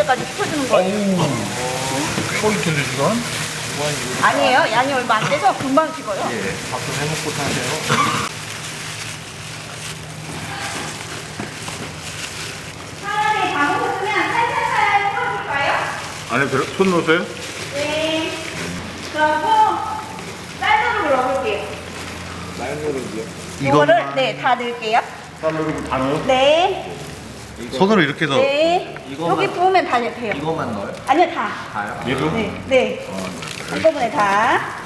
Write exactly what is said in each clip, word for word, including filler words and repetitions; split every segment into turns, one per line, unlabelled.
때까지 식혀주는 거예요.
포인트인데 시간?
아니에요. 양이 얼마 안 돼서 금방 식어요.
예. 밥좀 해먹고 타세요.
차라리 다 먹었으면 살살살 섞어줄까요?
안에 들어, 손 넣으세요?
네. 그리고 쌀누룩을 넣어볼게요.
쌀누룩이요?
이거를 네, 다 넣을게요.
쌀누룩 다 넣어요?
네.
손으로 이렇게 넣어.
네.
이거만-
여기 부으면 다 돼요.
이거만 넣어요?
아니요, 다.
다요?
얘도?
네. 네. 한꺼번에 다.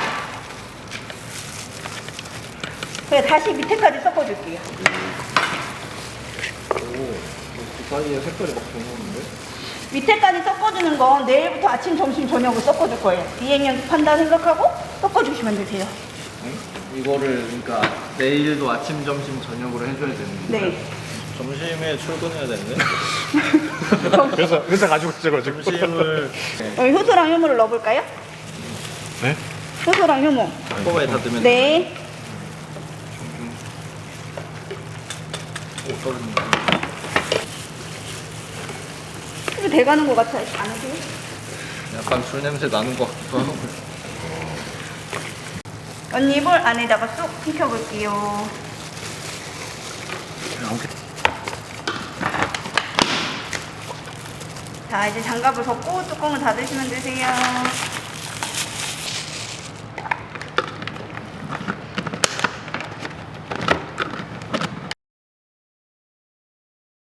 그래, 다시 밑에까지 섞어줄게요.
오, 그 사이에 색깔이 막 변하는데?
밑에까지 섞어주는 건 내일부터 아침, 점심, 저녁을 섞어줄 거예요. 비행 연습한다 생각하고 섞어주시면 되세요.
응? 이거를 그러니까 내일도 아침, 점심, 저녁으로 해줘야 되는 거예요?
네.
점심에 출근해야 되는데?
회사, 회사 가지고 있어가지고.
점심을
여기 효소랑 효모를 넣어볼까요?
네?
효소랑 효모.
한꺼번에 다 넣으면
네.
오, 떨어진다.
이거 돼가는 것 같아요. 안 해도.
약간 술 냄새 나는 것 같기도 하고.
언니볼 안에다가 쏙 익혀볼게요. 자, 이제 장갑을 덮고 뚜껑을 닫으시면 되세요.